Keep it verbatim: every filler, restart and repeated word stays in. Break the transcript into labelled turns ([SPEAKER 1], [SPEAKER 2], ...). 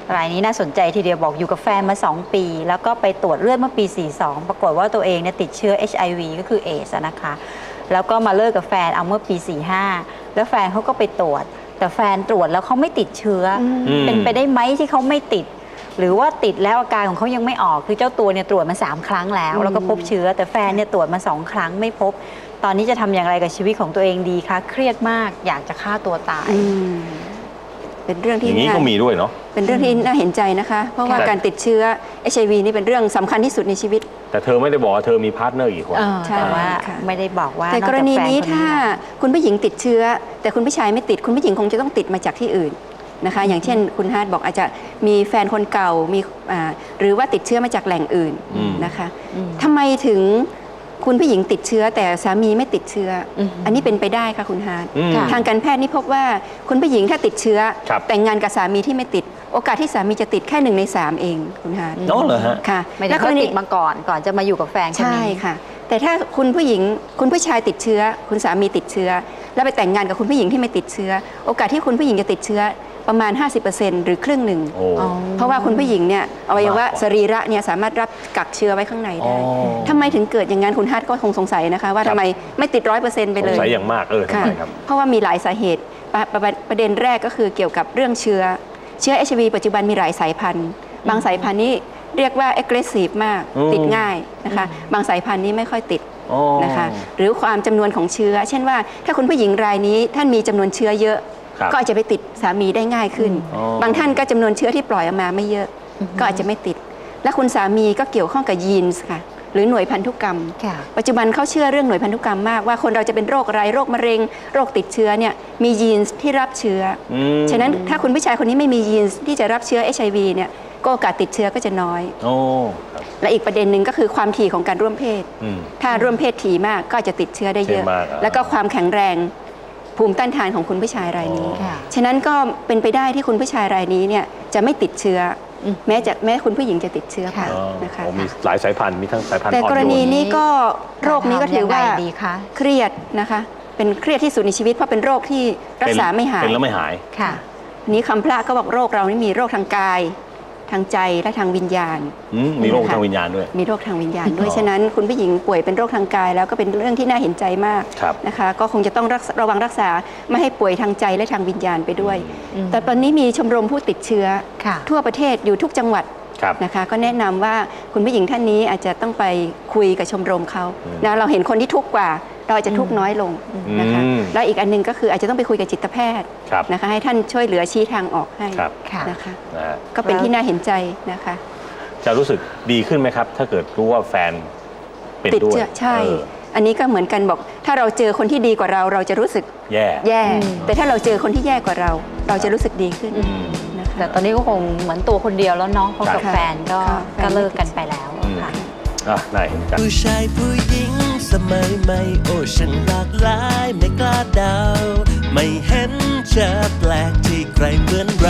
[SPEAKER 1] รายนี้น่าสนใจทีเดียวบอกอยู่กับแฟนมาสองปีแล้วก็ไปตรวจเลือดเมื่อปีสี่สิบสองปรากฏว่าตัวเองเนี่ยติดเชื้อ เอช ไอ วี ก็คือเอสนะคะแล้วก็มาเลิกกับแฟนเอาเมื่อปีสี่สิบห้าแล้วแฟนเขาก็ไปตรวจแต่แฟนตรวจแล้วเขาไม่ติดเชื้อเป็นไปได้ไหมที่เขาไม่ติดหรือว่าติดแล้วอาการของเขายังไม่ออกคือเจ้าตัวเนี่ยตรวจมาสามครั้งแล้วแล้วก็พบเชื้อแต่แฟนเนี่ยตรวจมาสองครั้งไม่พบตอนนี้จะทำอย่างไรกับชีวิตของตัวเองดีคะเครียดมากอยากจะฆ่าตัวตาย
[SPEAKER 2] เป็นเรื่องที่
[SPEAKER 3] อย่างนี้ก็มีด้วยเนาะ
[SPEAKER 2] เป็นเรื่องที่น่าเห็นใจนะคะเพราะว่าการติดเชื้อ เอช ไอ วี นี่เป็นเรื่องสำคัญที่สุดในชีวิต
[SPEAKER 3] แต่เธอไม่ได้บอกว่าเธอมีพาร์ทเนอร์กี่คน
[SPEAKER 1] แต่ว่าไม่ได้บอกว่า
[SPEAKER 2] แต่กรณีนี้ถ้าคุณผู้หญิงติดเชื้อแต่คุณผู้ชายไม่ติดคุณผู้หญิงคงจะต้องติดมาจากที่อื่นนะคะอย่างเช่นคุณฮาร์ดบอกอาจจะมีแฟนคนเก่ามีหรือว่าติดเชื้อมาจากแหล่งอื่นนะคะทำไมถึงคุณผู้หญิงติดเชื้อแต่สามีไม่ติดเชื้ออันนี้เป็นไปได้ค่ะคุณฮาร์ดทางการแพทย์นี่พบว่าคุณผู้หญิงถ้าติดเชื้อแต่งงานกับสามีที่ไม่ติดโอกาสที่สามีจะติดแค่หนึ่งในสามเองคุณฮาร์ด
[SPEAKER 3] อ๋อเหรอฮะ
[SPEAKER 2] ค่ะ
[SPEAKER 1] แล้วก็ติดมาก่อนก่อนจะมาอยู่กับแฟน
[SPEAKER 2] ใช่ค่ะแต่ถ้าคุณผู้หญิงคุณผู้ชายติดเชื้อคุณสามีติดเชื้อแล้วไปแต่งงานกับคุณผู้หญิงที่ไม่ติดเชื้อโอกาสที่คุณผู้หญิงจะติดเชื้อประมาณ ห้าสิบเปอร์เซ็นต์ หรือครึ่งหนึ่งเพราะว่าคุณผู้หญิงเนี่ยอวัยวะสรีระเนี่ยสามารถรับกักเชื้อไว้ข้างในได้ทำไมถึงเกิดอย่างนั้นคุณฮาร์ดก็คงสงสัยนะคะว่าทำไมไม่ติดร้อยเปอร์เซ็นต์ไปเลย
[SPEAKER 3] สงสัยอย่างมากเออทำไมครับ
[SPEAKER 2] เพราะว่ามีหลายสาเหตุประเด็นแรกก็คือเกี่ยวกับเรื่องเชื้อเชื้อ เอช ไอ วี ปัจจุบันมีหลายสายพันธุ์บางสายพันธุ์นี้เรียกว่า aggressive มากติดง่ายนะคะบางสายพันธุ์นี้ไม่ค่อยติดนะคะหรือความจำนวนของเชื้อเช่นว่าถ้าคุณผู้หญิงรายนี้ท่านมีจำนวนเชื้อเยอะก็อาจจะไปติดสามีได้ง่ายขึ้นบางท่านก็จำนวนเชื้อที่ปล่อยออกมาไม่เยอะก็อาจจะไม่ติดและคุณสามีก็เกี่ยวข้องกับยีนส์ค่ะหรือหน่วยพันธุกรรมปัจจุบันเขาเชื่อเรื่องหน่วยพันธุกรรมมากว่าคนเราจะเป็นโรคอะไรโรคมะเร็งโรคติดเชื้อเนี่ยมียีนส์ที่รับเชื้อฉะนั้นถ้าคุณผู้ชายคนนี้ไม่มียีนส์ที่จะรับเชื้อ เอช ไอ วี เนี่ยก็โอกาสติดเชื้อก็จะน้อยและอีกประเด็นหนึ่งก็คือความถี่ของการร่วมเพศถ้าร่วมเพศถี่มากก็จะติดเชื้อได้เยอะแล้วก็ความแข็งแรงภูมิต้านทานของคุณผู้ชายรายนี้ฉะนั้นก็เป็นไปได้ที่คุณผู้ชายรายนี้เนี่ยจะไม่ติดเชื้อแม้จะแม้คุณผู้หญิงจะติดเชื้อค่ะนะคะ
[SPEAKER 3] มีหลายสายพันธุ์มีทั้งสายพันธุ์
[SPEAKER 2] แต่กรณีนี้ก็โรคนี้ก็ถือว่าเครียดนะคะเป็นเครียดที่สุดในชีวิตเพราะเป็นโรคที่รักษาไม่หาย
[SPEAKER 3] เป็นแล้วไม่หาย
[SPEAKER 2] ค่ะนี้คำพระก็บอกโรคเรานี่มีโรคทางกายทางใจและทางวิญญาณ
[SPEAKER 3] มีโรคทางวิญญาณด้วย
[SPEAKER 2] มีโรคทางวิญญาณด้วยฉะนั้นคุณผู้หญิงป่วยเป็นโรคทางกายแล้วก็เป็นเรื่องที่น่าเห็นใจมากนะคะก็คงจะต้องระวังรักษาไม่ให้ป่วยทางใจและทางวิญญาณไปด้วยแต่ตอนนี้มีชมรมผู้ติดเชื้อทั่วประเทศอยู่ทุกจังหวัดนะคะก็แนะนำว่าคุณผู้หญิงท่านนี้อาจจะต้องไปคุยกับชมรมเขานะเราเห็นคนที่ทุกข์กว่าเราอาจจะทุกข์น้อยลงนะคะแล้วอีกอันนึงก็คืออาจจะต้องไปคุยกับจิตแพทย์นะคะให้ท่านช่วยเหลือชี้ทางออกให้นะคะก็เป็นที่น่าเห็นใจนะคะ
[SPEAKER 3] จะรู้สึกดีขึ้นไหมครับถ้าเกิดรู้ว่าแฟนเป็นด้วย
[SPEAKER 2] ใช่อันนี้ก็เหมือนกันบอกถ้าเราเจอคนที่ดีกว่าเราเราจะรู้สึก
[SPEAKER 3] แย่
[SPEAKER 2] แย่แต่ถ้าเราเจอคนที่แย่กว่าเราเราจะรู้สึกดีขึ้น
[SPEAKER 1] แต่ตอนนี้ก็คงเหมือนตัวคนเดียวแล้วเนาะเพราะกับแฟนก็ก็เลิกกันไปแล้วค่ะ
[SPEAKER 3] อ่ะได้
[SPEAKER 4] ผู้ชายผู้หญิงสมัยใหม่โอ้ฉันหลากหลายไม่กล้าเดาไม่เห็นจะแปลกที่ใครเหมือนเรา